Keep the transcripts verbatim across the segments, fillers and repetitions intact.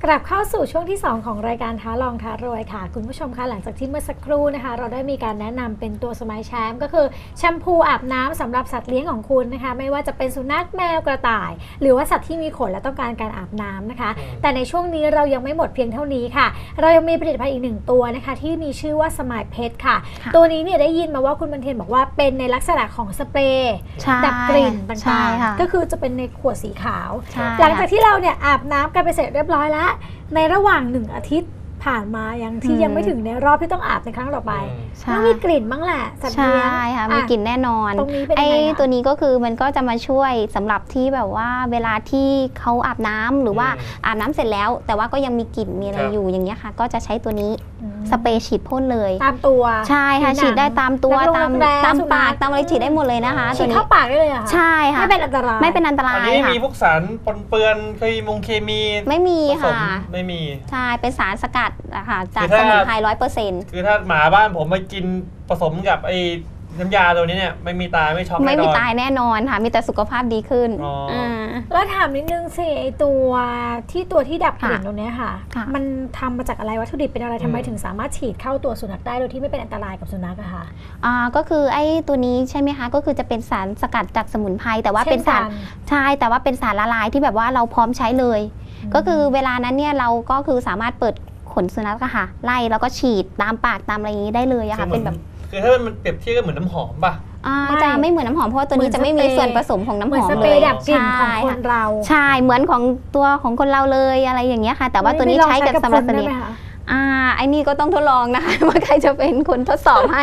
กลับเข้าสู่ช่วงที่สองของรายการท้าลองท้ารวยค่ะคุณผู้ชมคะหลังจากที่เมื่อสักครู่นะคะเราได้มีการแนะนำเป็นตัวสมัยแชมป์ก็คือแชมพูอาบน้ำสำหรับสัตว์เลี้ยงของคุณนะคะไม่ว่าจะเป็นสุนัขแมวกระต่ายหรือว่าสัตว์ที่มีขนและต้องการการอาบน้ำนะคะแต่ในช่วงนี้เรายังไม่หมดเพียงเท่านี้ค่ะเรายังมีผลิตภัณฑ์อีกหนึ่งตัวนะคะที่มีชื่อว่าสมัยเพชรค่ะตัวนี้เนี่ยได้ยินมาว่าคุณบรรเทนบอกว่าเป็นในลักษณะของสเปรย์ดับกลิ่นต่างๆก็คือจะเป็นในขวดสีขาวหลังจากที่เราเนี่ยอาบน้ำกันไปเสร็จเรียบร้อยแล้วในระหว่างหนึ่งอาทิตย์ผ่านมายังที่ยังไม่ถึงในรอบที่ต้องอาบในครั้งต่อไปต้องมีกลิ่นบ้างแหละสัตว์เลี้ยงใช่ค่ะมีกลิ่นแน่นอนตรงนี้เป็นยังไงคะตัวนี้ก็คือมันก็จะมาช่วยสำหรับที่แบบว่าเวลาที่เขาอาบน้ำหรือว่าอาบน้ำเสร็จแล้วแต่ว่าก็ยังมีกลิ่นมีอะไรอยู่อย่างเงี้ยค่ะก็จะใช้ตัวนี้สเปรย์ฉีดพ่นเลยตามตัวใช่ค่ะฉีดได้ตามตัวตามตามปากตามอะไรฉีดได้หมดเลยนะคะฉีดเข้าปากได้เลยค่ะใช่ค่ะไม่เป็นอันตรายไม่เป็นอันตรายอันนี้มีพวกสารปนเปื้อนเคมีมงเคมีไม่มีค่ะไม่มีใช่เป็นสารสกัดนะคะจากสมุนไพรร้อยเปอร์เซ็นต์คือถ้าหมาบ้านผมมากินผสมกับไอ้น้ำยาตัวนี้เนี่ยไม่มีตายไม่ช็อกไม่มีตายแน่นอนค่ะมีแต่สุขภาพดีขึ้นแล้วถามนิดนึงสิไอตัวที่ตัวที่ดับกลิ่นตรงนี้ค่ะมันทำมาจากอะไรวัตถุดิบเป็นอะไรทำไมถึงสามารถฉีดเข้าตัวสุนัขได้โดยที่ไม่เป็นอันตรายกับสุนัขอะค่ะอ่าก็คือไอ้ตัวนี้ใช่ไหมคะก็คือจะเป็นสารสกัดจากสมุนไพรแต่ว่าเป็นสารใช่แต่ว่าเป็นสารละลายที่แบบว่าเราพร้อมใช้เลยก็คือเวลานั้นเนี่ยเราก็คือสามารถเปิดขนสุนัขค่ะไล่แล้วก็ฉีดตามปากตามอะไรอย่างนี้ได้เลยอะค่ะเป็นแบบคือถ้ามันเปรียบเทียบก็เหมือนน้ำหอมป่ะจะไม่เหมือนน้ำหอมเพราะว่าตัวนี้จะไม่มีส่วนผสมของน้ำหอมเลยดับกลิ่นของคนเราใช่เหมือนของตัวของคนเราเลยอะไรอย่างเงี้ยค่ะแต่ว่าตัวนี้ใช้กับสำหรับสัตว์เลี้ยงอ่าไอ้นี่ก็ต้องทดลองนะคะว่าใครจะเป็นคนทดสอบให้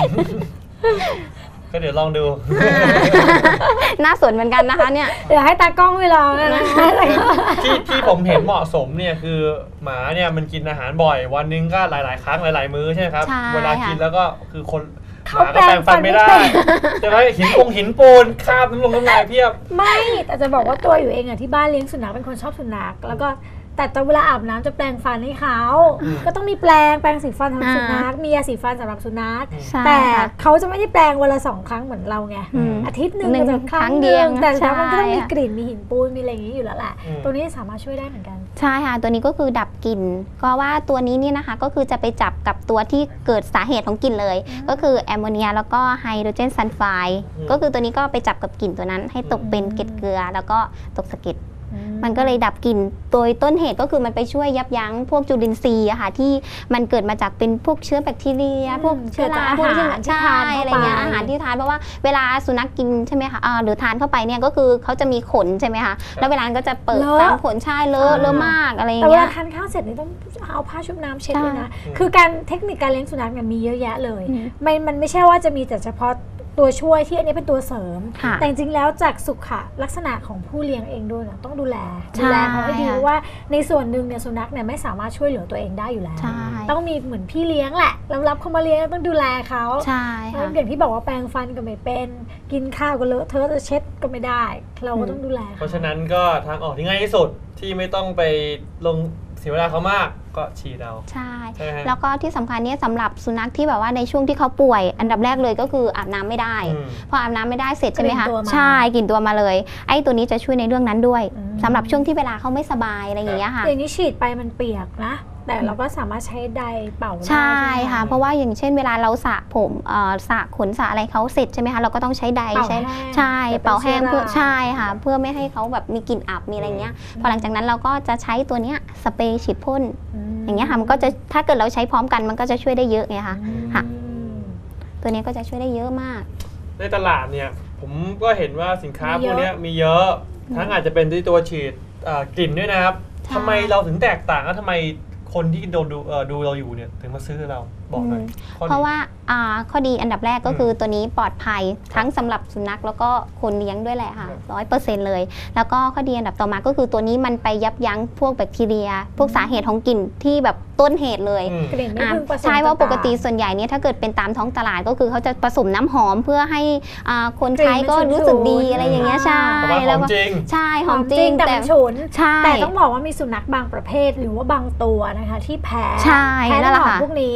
ก็เดี๋ยวลองดูน่าสนเหมือนกันนะคะเนี่ยเดี๋ยวให้ตากล้องไปลองนะที่ที่ผมเห็นเหมาะสมเนี่ยคือหมาเนี่ยมันกินอาหารบ่อยวันนึงก็หลายๆครั้งหลายๆมื้อใช่ไหมครับเวลากินแล้วก็คือคนหมาก็แปรงฟันไม่ได้จะไปหินปงหินปูนคาบน้ำลงน้ำลายเพียบไม่แต่จะบอกว่าตัวอยู่เองอะที่บ้านเลี้ยงสุนัขเป็นคนชอบสุนัขแล้วก็แต่ตอนเวลาอาบน้ำจะแปรงฟันให้เขาก็ต้องมีแปรงแปรงสีฟันสำหรับสุนัขมียาสีฟันสำหรับสุนัขแต่เขาจะไม่ได้แปรงวันละสองครั้งเหมือนเราไงอาทิตย์หนึ่งจะครั้งเดียวแต่แล้วมันก็ต้องมีกลิ่นมีหินปูนมีอะไรอย่างนี้อยู่แล้วแหละตัวนี้สามารถช่วยได้เหมือนกันใช่ค่ะตัวนี้ก็คือดับกลิ่นก็ว่าตัวนี้นี่นะคะก็คือจะไปจับกับตัวที่เกิดสาเหตุของกลิ่นเลยก็คือแอมโมเนียแล้วก็ไฮโดรเจนซัลไฟด์ก็คือตัวนี้ก็ไปจับกับกลิ่นตัวนั้นให้ตกเป็นเกล็ดเกลือแล้วก็ตกสะเก็ดมันก็เลยดับกลิ่นโดยต้นเหตุก็คือมันไปช่วยยับยั้งพวกจุลินทรีย์อะค่ะที่มันเกิดมาจากเป็นพวกเชื้อแบคทีเรียพวกเชื้อราพวกที่ทานอะไรเงี้ยอาหารที่ทานเพราะว่าเวลาสุนัขกินใช่ไหมคะหรือทานเข้าไปเนี่ยก็คือเขาจะมีขนใช่ไหมคะแล้วเวลาก็จะเปิดตามขนใช่เลอะเลอะมากอะไรอย่างเงี้ยแต่เวลาทานข้าวเสร็จนี่ต้องเอาผ้าชุบน้ำเช็ดเลยนะคือการเทคนิคการเลี้ยงสุนัขเนี่ยมีเยอะแยะเลยมันมันไม่ใช่ว่าจะมีแต่เฉพาะตัวช่วยที่อันนี้เป็นตัวเสริมแต่จริงๆแล้วจากสุขลักษณะของผู้เลี้ยงเองด้วยนะต้องดูแลดูแลเขาให้ดีว่าในส่วนหนึ่งเนี่ยสุนัขเนี่ยไม่สามารถช่วยเหลือตัวเองได้อยู่แล้วต้องมีเหมือนพี่เลี้ยงแหละรับรับเขามาเลี้ยงต้องดูแลเขาอย่างที่บอกว่าแปรงฟันก็ไม่เป็นกินข้าวก็เลอะเทอะจะเช็ดก็ไม่ได้เราก็ต้องดูแลเพราะฉะนั้นก็ทางออกที่ง่ายที่สุดที่ไม่ต้องไปลงเสียเวลาเขามากก็ฉีดเอาใช่แล้วก็ที่สำคัญเนี่ยสำหรับสุนัขที่แบบว่าในช่วงที่เขาป่วยอันดับแรกเลยก็คืออาบน้ำไม่ได้พออาบน้ำไม่ได้เสร็จใช่ไหมคะใช่กลิ่นตัวมาเลยไอ้ตัวนี้จะช่วยในเรื่องนั้นด้วยสำหรับช่วงที่เวลาเขาไม่สบายอะไรอย่างเงี้ยค่ะอย่างนี้ฉีดไปมันเปียกนะแต่เราก็สามารถใช้ไดเป่าได้ใช่ค่ะเพราะว่าอย่างเช่นเวลาเราสระผมสระขนสระอะไรเขาเสร็จใช่ไหมคะเราก็ต้องใช้ไดใช้ใช่เป่าแห้งเพื่อใช่ค่ะเพื่อไม่ให้เขาแบบมีกลิ่นอับมีอะไรเงี้ยพอหลังจากนั้นเราก็จะใช้ตัวเนี้ยสเปรย์ฉีดพ่นอย่างเงี้ยค่ะมันก็จะถ้าเกิดเราใช้พร้อมกันมันก็จะช่วยได้เยอะไงคะค่ะตัวนี้ก็จะช่วยได้เยอะมากในตลาดเนี่ยผมก็เห็นว่าสินค้าพวกนี้มีเยอะทั้งอาจจะเป็นที่ตัวฉีดกลิ่นด้วยนะครับทำไมเราถึงแตกต่างแล้วทำไมคนที่โดนดูดูเราอยู่เนี่ยถึงมาซื้อเราบอกหน่อยเพราะว่าข้อดีอันดับแรกก็คือตัวนี้ปลอดภัยทั้งสำหรับสุนัขแล้วก็คนเลี้ยงด้วยแหละค่ะร้อยเปอร์เซ็นต์เลยแล้วก็ข้อดีอันดับต่อมาก็คือตัวนี้มันไปยับยั้งพวกแบคทีเรียพวกสาเหตุของกลิ่นที่แบบต้นเหตุเลยใช่ว่าปกติส่วนใหญ่เนี่ยถ้าเกิดเป็นตามท้องตลาดก็คือเขาจะผสมน้ำหอมเพื่อให้คนใช้ก็รู้สึกดีอะไรอย่างเงี้ยใช่แล้วก็ใช่หอมจริงแต่ฉุนแต่ต้องบอกว่ามีสุนัขบางประเภทหรือว่าบางตัวนะคะที่แพ้แพ้น้ำหอมพวกนี้จ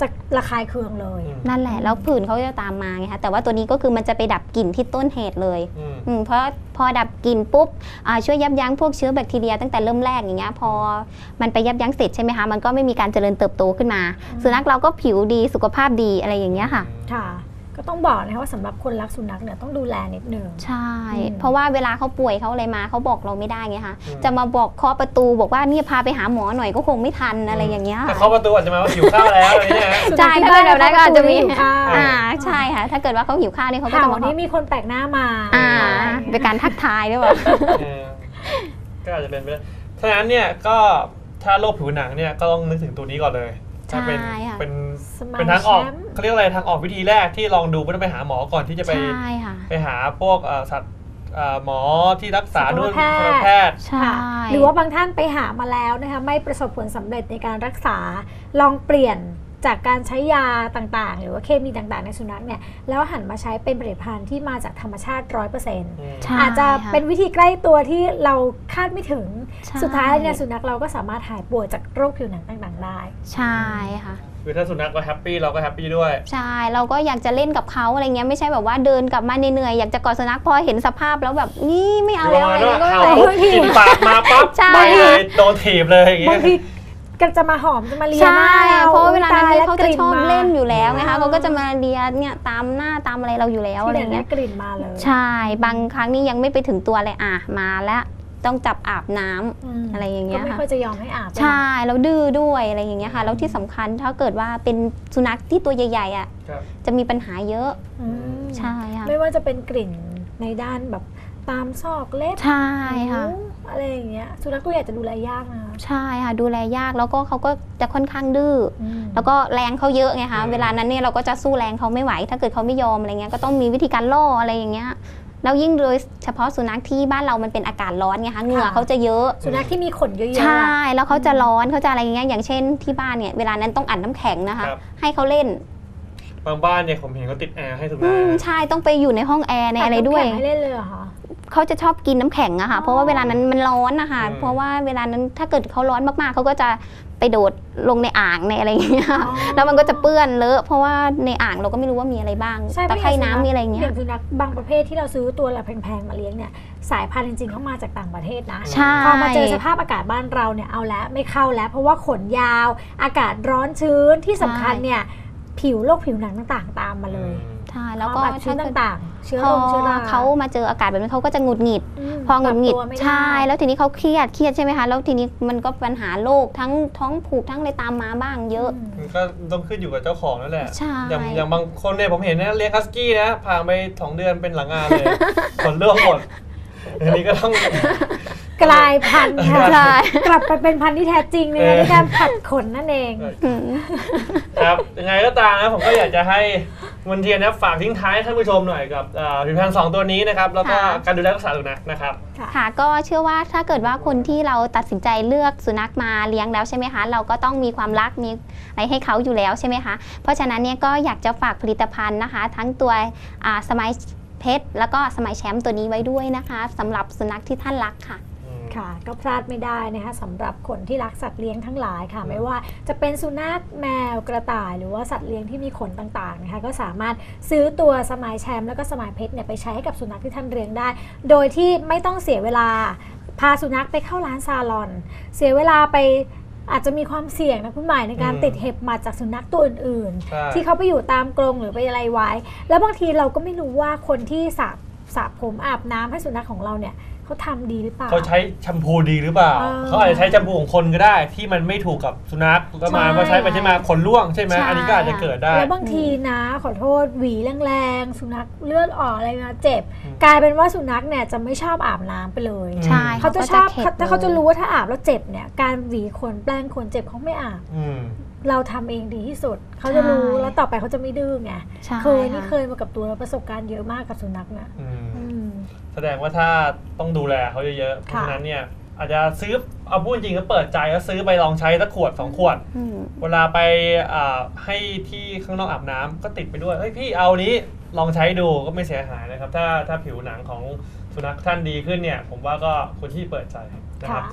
จะระคายเคืองเลยนั่นแหละแล้วผื่นเขาจะตามมาไงคะแต่ว่าตัวนี้ก็คือมันจะไปดับกลิ่นที่ต้นเหตุเลยอืมเพราะพอดับกลิ่นปุ๊บช่วยยับยั้งพวกเชื้อแบคทีเรียตั้งแต่เริ่มแรกอย่างเงี้ยพอมันไปยับยั้งเสร็จใช่ไหมคะมันก็ไม่มีการเจริญเติบโตขึ้นมาสุนัขเราก็ผิวดีสุขภาพดีอะไรอย่างเงี้ยค่ะค่ะก็ต้องบอกนะคะว่าสำหรับคนรักสุนัขเนี่ยต้องดูแลนิดนึงใช่เพราะว่าเวลาเขาป่วยเขาอะไรมาเขาบอกเราไม่ได้ไงคะจะมาบอกเคาะประตูบอกว่านี่พาไปหาหมอหน่อยก็คงไม่ทันอะไรอย่างเงี้ยแต่เคาะประตูอาจจะมาว่าหิวข้าวแล้วอะไรเงี้ยใช่ถ้าเกิดแบบนั้นก็อาจจะมีอ่าใช่ค่ะถ้าเกิดว่าเขาหิวข้าวนี่เขาก็จะมาวันนี้มีคนแปลกหน้ามาอ่าเป็นการทักทายด้วยป่ะก็อาจจะเป็นไปได้ฉะนั้นเนี่ยก็ถ้าโรคผิวหนังเนี่ยก็ต้องนึกถึงตัวนี้ก่อนเลยถ้าเป็นเป็นเป็นทางออกเขาเรียกอะไรทางออกวิธีแรกที่ลองดูไม่ต้องไปหาหมอก่อนที่จะไปไปหาพวกสัตว์หมอที่รักษาด้วยแพทย์หรือว่าบางท่านไปหามาแล้วนะคะไม่ประสบผลสำเร็จในการรักษาลองเปลี่ยนจากการใช้ยาต่างๆหรือว่าเคมีต่างๆในสุนัขเนี่ยแล้วหันมาใช้เป็นผลิตภัณฑ์ที่มาจากธรรมชาติ ร้อยเปอร์เซ็นต์ อาจจะเป็นวิธีใกล้ตัวที่เราคาดไม่ถึงสุดท้ายเนี่ยสุนัขเราก็สามารถหายป่วยจากโรคผิวหนังต่างๆได้ใช่ค่ะคือถ้าสุนัขก็แฮปปี้เราก็แฮปปี้ด้วยใช่เราก็อยากจะเล่นกับเขาอะไรเงี้ยไม่ใช่แบบว่าเดินกลับมาเหนื่อยๆอยากจะกอดสุนัขพอเห็นสภาพแล้วแบบนี่ไม่เอาแล้วอะไรก็ไม่กินปากมาปั๊บไปเลยโดนถีบเลยอย่างเงี้ยก็จะมาหอมจะมาเลียหน้าเราเพราะเวลานั้นเขาจะชอบเล่นอยู่แล้วไงคะเขาก็จะมาเลียเนี่ยตามหน้าตามอะไรเราอยู่แล้วอะไรเงี้ยกลิ่นมาเลยใช่บางครั้งนี่ยังไม่ไปถึงตัวเลยอ่ะมาแล้วต้องจับอาบน้ำอะไรอย่างเงี้ยค่ะก็ไม่ค่อยจะยอมให้อาบใช่แล้วดื้อด้วยอะไรอย่างเงี้ยค่ะแล้วที่สำคัญถ้าเกิดว่าเป็นสุนัขที่ตัวใหญ่ๆอ่ะจะมีปัญหาเยอะใช่ค่ะไม่ว่าจะเป็นกลิ่นในด้านแบบตามซอกเล็บใช่ค่ะอะไรอย่างเงี้ยสุนัขตัวใหญ่จะดูแลยากนะใช่ค่ะดูแลยากแล้วก็เขาก็จะค่อนข้างดื้อแล้วก็แรงเขาเยอะไงคะเวลานั้นเนี่ยเราก็จะสู้แรงเขาไม่ไหวถ้าเกิดเขาไม่ยอมอะไรเงี้ยก็ต้องมีวิธีการล่ออะไรอย่างเงี้ยแล้วยิ่งโดยเฉพาะสุนัขที่บ้านเรามันเป็นอากาศร้อนไงคะเหงื่อเขาจะเยอะสุนัขที่มีขนเยอะๆใช่แล้วเขาจะร้อนเขาจะอะไรอย่างเงี้ยอย่างเช่นที่บ้านเนี่ยเวลานั้นต้องอัดน้ำแข็งนะคะให้เขาเล่นบางบ้านเนี่ยผมเห็นเขาติดแอร์ให้สุนัขใช่ต้องไปอยู่ในห้องแอร์ในอะไรด้วยให้เล่นเลยเหรอคะเขาจะชอบกินน้ำแข็งอะค่ะเพราะว่าเวลานั้นมันร้อนนะคะเพราะว่าเวลานั้นถ้าเกิดเขาร้อนมากๆเขาก็จะไปโดดลงในอ่างในอะไรอย่างเงี้ยแล้วมันก็จะเปื้อนเลอะเพราะว่าในอ่างเราก็ไม่รู้ว่ามีอะไรบ้างตะไคร่น้ำมีอะไรเงี้ยอย่างสุนัขบางประเภทที่เราซื้อตัวละแพงๆมาเลี้ยงเนี่ยสายพันธุ์จริงๆเขามาจากต่างประเทศนะพอมาเจอสภาพอากาศบ้านเราเนี่ยเอาแล้วไม่เข้าแล้วเพราะว่าขนยาวอากาศร้อนชื้นที่สำคัญเนี่ยผิวโรคผิวหนังต่างๆตามมาเลยใช่แล้วก็ชื้นต่างๆเชื้อโรคเชื้อราเขามาเจออากาศแบบนี้เขาก็จะหงุดหงิดพอหงุดหงิดใช่แล้วทีนี้เขาเครียดเครียดใช่ไหมคะแล้วทีนี้มันก็ปัญหาโรคทั้งท้องผูกทั้งอะไรตามมาบ้างเยอะมันก็ต้องขึ้นอยู่กับเจ้าของนั่นแหละอย่างอย่างบางคนเนี่ยผมเห็นนะเลี้ยงฮัสกี้นะผ่านไปสองเดือนเป็นหลังงานเลยขนเรื่องหมดอันนี้ก็ต้องกลายพันธุ์ค่ะกลับไปเป็นพันธุ์ที่แท้จริงเลยในการผัดขนนั่นเองครับยังไงก็ตามนะผมก็อยากจะให้มนเทียนนะฝากทิ้งท้ายท่านผู้ชมหน่อยกับผลิตภัณฑ์สองตัวนี้นะครับแล้วก็การดูแลรักษาสุนัขนะครับค่ะก็เชื่อว่าถ้าเกิดว่าคนที่เราตัดสินใจเลือกสุนัขมาเลี้ยงแล้วใช่ไหมคะเราก็ต้องมีความรักมีอะไรให้เขาอยู่แล้วใช่ไหมคะเพราะฉะนั้นเนี่ยก็อยากจะฝากผลิตภัณฑ์นะคะทั้งตัวสมัยเพชรแล้วก็สมัยแชมป์ตัวนี้ไว้ด้วยนะคะสำหรับสุนัขที่ท่านรักค่ะค่ะก็พลาดไม่ได้นะคะสำหรับคนที่รักสัตว์เลี้ยงทั้งหลายค่ะไม่ว่าจะเป็นสุนัขแมวกระต่ายหรือว่าสัตว์เลี้ยงที่มีขนต่างๆนะคะก็สามารถซื้อตัวสมัยแชมป์แล้วก็สมัยเพชรเนี่ยไปใช้ให้กับสุนัขที่ท่านเลี้ยงได้โดยที่ไม่ต้องเสียเวลาพาสุนัขไปเข้าร้านซาลอนเสียเวลาไปอาจจะมีความเสี่ยงนะคุณหมายในการติดเห็บหมัดจากสุนัขตัวอื่นๆที่เขาไปอยู่ตามกรงหรือไปอะไรไว้แล้วบางทีเราก็ไม่รู้ว่าคนที่สระสระผมอาบน้ำให้สุนัขของเราเนี่ยเขาทำดีหรือเปล่าเขาใช้แชมพูดีหรือเปล่าเขาอาจจะใช้แชมพูของคนก็ได้ที่มันไม่ถูกกับสุนัขก็มาพอใช้ไปใช้มาขนร่วงใช่ไหมอันนี้ก็อาจจะเกิดได้แล้วบางทีนะขอโทษหวีแรงๆสุนัขเลือดออกอะไรนะเจ็บกลายเป็นว่าสุนัขเนี่ยจะไม่ชอบอาบน้ำไปเลยใช่เขาจะชอบถ้าเขาจะรู้ว่าถ้าอาบแล้วเจ็บเนี่ยการหวีขนแปลงขนเจ็บเขาไม่อาบเราทำเองดีที่สุดเขาจะรู้แล้วต่อไปเขาจะไม่ดื้อไงเคยนี่เคยมากับตัวแล้วประสบการณ์เยอะมากกับสุนัขนะแสดงว่าถ้าต้องดูแลเขาเยอะๆเพราะฉะนั้นเนี่ยอาจจะซื้อเอาพูดจริงก็เปิดใจแล้วซื้อไปลองใช้สักขวดสองขวดเวลาไปให้ที่ข้างนอกอาบน้ำก็ติดไปด้วยเฮ้ยพี่เอานี้ลองใช้ดูก็ไม่เสียหายนะครับถ้าถ้าผิวหนังของสุนัขท่านดีขึ้นเนี่ยผมว่าก็ควรที่เปิดใจนะครับ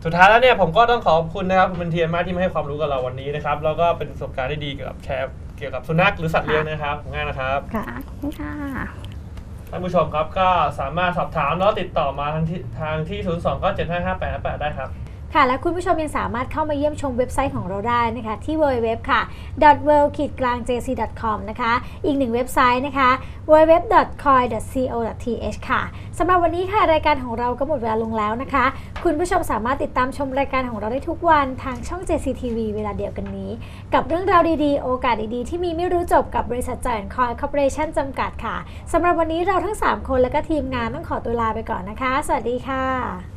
สุดท้ายแล้วเนี่ยผมก็ต้องขอบคุณนะครับคุณบันเทียนมากที่มาให้ความรู้กับเราวันนี้นะครับแล้วก็เป็นประสบการณ์ที่ดีเกี่ยวกับแชร์เกี่ยวกับสุนัขหรือสัตว์เลี้ยงนะครับง่ายนะครับค่ะขอบคุณค่ะท่านผู้ชมครับก็สามารถสอบถามแล้วติดต่อมาทางที่ทางที่ ศูนย์ สอง เก้า เจ็ด ห้า ห้า แปด ห้า แปด ได้ครับค่ะและคุณผู้ชมยังสามารถเข้ามาเยี่ยมชมเว็บไซต์ของเราได้นะคะที่ ดับเบิลยู ดับเบิลยู ดับเบิลยู ค่ะ ดอท เวิลด์ กลาง เจ ซี ดอท คอม นะคะอีกหนึ่งเว็บไซต์นะคะ ดับเบิลยู ดับเบิลยู ดับเบิลยู ดอท คอย ดอท ซี โอ ดอท ที เอช ค่ะสำหรับวันนี้ค่ะรายการของเราก็หมดเวลาลงแล้วนะคะ คุณผู้ชมสามารถติดตามชมรายการของเราได้ทุกวันทางช่อง เจ ซี ที วี เวลาเดียวกันนี้ กับเรื่องราวดีๆโอกาสดีๆที่มีไม่รู้จบกับบริษัท Giant Coin Corporation จำกัดค่ะสำหรับวันนี้เราทั้งสามคนและก็ทีมงานต้องขอตัวลาไปก่อนนะคะสวัสดีค่ะ